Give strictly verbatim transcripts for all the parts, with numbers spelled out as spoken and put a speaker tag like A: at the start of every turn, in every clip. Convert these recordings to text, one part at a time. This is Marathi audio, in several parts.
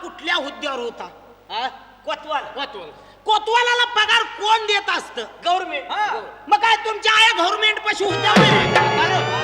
A: कुठल्या हुद्द्यावर होता?
B: हा?
C: कोतवाल
B: कोतवाल.
A: कोतवालाला पगार कोण देत असतं?
C: गव्हर्नमेंट.
A: मग काय तुमच्या आया गव्हर्नमेंट पाशी होत्या होय?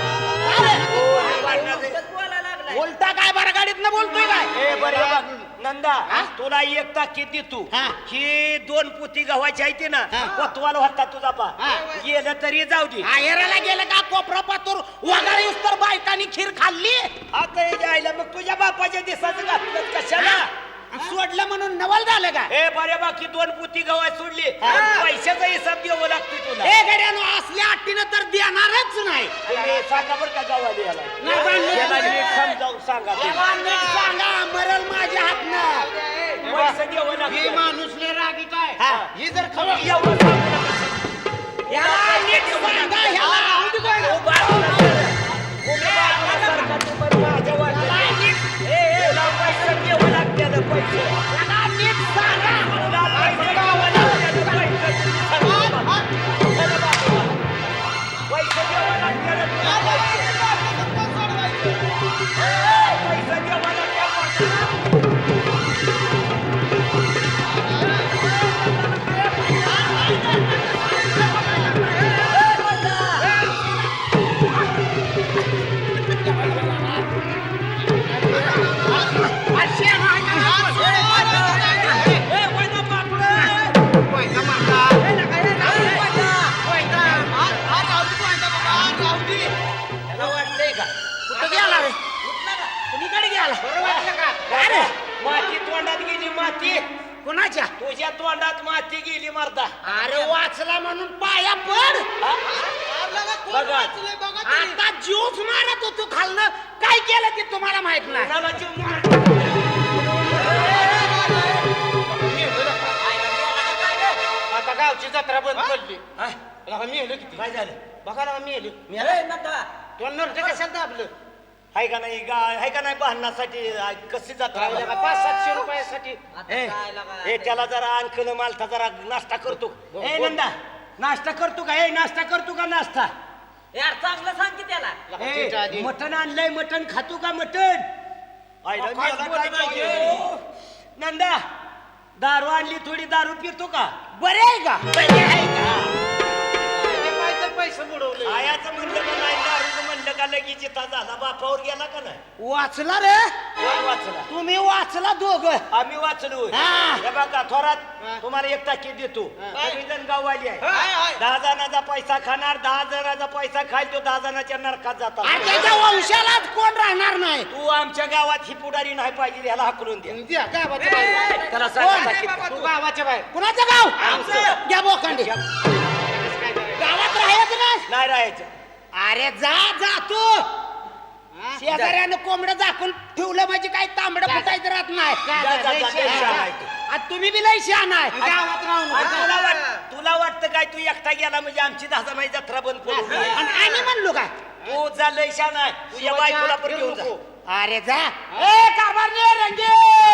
A: बोलता काय बरं गाडीत न बोलतोय काय?
C: ए बरे बघ नंदा, तुला एक ताकीद देतो.
A: हा.
C: ही दोन पोती गव्हाची आहे ना,
A: हा.
C: कोतवाल होता तुझा बा.
A: हा.
C: गेलं तरी जाऊ दे.
A: आयराला गेलं का कोपरा पातूर वगारी तर बायकांनी खीर खाल्ली
C: आता हे जायला मग तुझ्या बापाच्या दिसाचं घातलं कशाला?
A: सोडलं म्हणून नवल झालं का?
C: ए बरे बाकी दोन पोती गव्हा सोडली,
A: हा.
C: पैशाचा हिसाब द्यावं लागतोय तुला.
A: ए गड्यानो असल्या अट्टीनं तर देणारच नाही.
C: तुम्ही सांगा बरं का गावाला याला.
A: नाही बांधलं.
C: याला नीट समजावून सांगा तुम्ही.
A: याला नीट सांगा मरल माझ्या हातनं.
C: पैसे द्यावं
B: ही
C: लागतं.
B: माणूस लय रागी काय
A: हा.
B: ही जर खबर
C: एवढं सांगू नका.
A: याला नीट सांगा ह्याला.
C: ओ बाळा, तुम्ही बाळासारखा तू पण माझ्या वाट्याला.
A: याला नीट-
C: ए, ए, तुला पैसे द्यावं लागतं, पैसे.
A: याला नीट सांगा.
C: तुला पैसे द्यावं लागतं, पैसे. चला बाबा. चला बाबा. पैसे द्यावं लागतं, तुला पैसे. ए, पैसे द्यावं लागतं. त्याला वाटतंय का?
A: कुठं गेला रे? कुणीकडे गेला? काय रे?
C: माती तोंडात गेली, माती
A: कुणाच्या?
C: तुझ्या तोंडात माती गेली मरदा.
A: अरे वाचला म्हणून पाया पड.
C: बघा
A: आता जीवच मारत होतो खालनं. काय केलं ते तुम्हाला माहित नाही.
C: कोणाला जीव मार-
B: आता गावची जत्रा बंद पडली.
C: हा?
B: लगा मेलं किती
C: काय झालं?
B: बघा लगा मेलं तुला नरट कशाला दाबलं
C: हाय का नाही गा- हाय का नाही भांडणासाठी आ, कशी जात
B: राहिलं का पाच सातशे रुपयासाठी
C: ए त्याला जरा अंकल मालता जरा नाश्ता करतो. ए नंदा नाश्ता करतो का? ए नाश्ता करतो का? नाश्ता
D: यार चांगलं सांग की त्याला.
B: लगा त्याच्या आधी.
C: ए, मटण आणलंय, मटण खातो का? मटण आयला
B: अहो, काय
C: मेला
B: बोलत
C: काय
B: आहे?
C: पाहिजे? नंदा दारू आणली, थोडी दारू पितो का?
A: बरे आहे का?
C: बरे आहे का?
B: ते काय तर पैसे बुडवले
C: आयाचं म्हणलं का नाही, दारूचं म्हणलं का लगेच इथं झाला, बापावर गेला का नाही?
A: वाचला रे?
C: कोण वाचला?
A: तुम्ही वाचला दोघं.
C: आम्ही वाचलो.
A: हा.
C: हे बघा थोरात,
B: हा.
C: तुम्हाला एक टाकी देतो.
B: हा.
C: सगळीजण गाववाली आहे.
B: हाय, हाय.
C: दहा जणांचा पैसा खाणार, दहा जणांचा पैसा खाईल, तो दहा जणांच्या नरकात
A: आणि
C: जातात.
A: त्याच्या वंशालाच कोण राहणार नाही.
C: तू आमच्या गावात ही पुढारी नाही पाहिजे, ह्याला हाकलून द्या.
B: द्या गावाच्या बाहेर
C: त्याला
A: कोण?
C: सांगा टाकीत.
B: तू गावाच्या बाहेर
A: कुणाचं गाव?
C: आमचं.
A: घ्या बोकांडी.
B: काय करायचं?
A: गावात राहायचं नाही.
C: नाही राहायचं.
A: अरे जा जा तू. शेजाऱ्यानं कोंबडं झाकून ठेवलं म्हणजे काही तांबडं फुटायचं राहत नाही.
C: जा, जा, जा,
B: लय
C: लय शहाणा आहे तू.
A: आणि तुम्ही बी लय शहाणा आहे.
B: गावात राहून
C: आणि तुला वाट तुला वाटतं काय तू एकटा गेला म्हणजे आमची दहा जणांची जत्रा बंद पडून जाईल?
A: आणि आम्ही म्हणलो काय?
C: तू जा लय शहाणा आहे. तुझ्या बायकोला पण घेऊन जा.
A: अरे जा. ए कारभारने रंगे.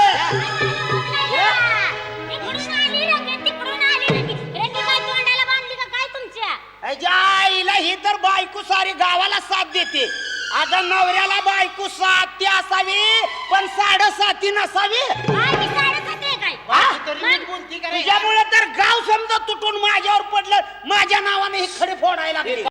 E: तिकडून आली रंगे, तिकडून आली रंगे. रंगे काय तोंडाला बांधली का काय तुमच्या?
A: अय्या, आईला ही तर बायको सारी गावाला साथ देते. अगं नवऱ्याला बायको साथी असावी पण साडेसाती नसावी.
E: काय मी साडेसात आहे काय?
A: हा?
B: तरी नीट बोलती का रे?
A: तुझ्यामुळे तर गाव समजा तुटून माझ्यावर पडलं. माझ्या नावाने ही खडी फोडायला लागली.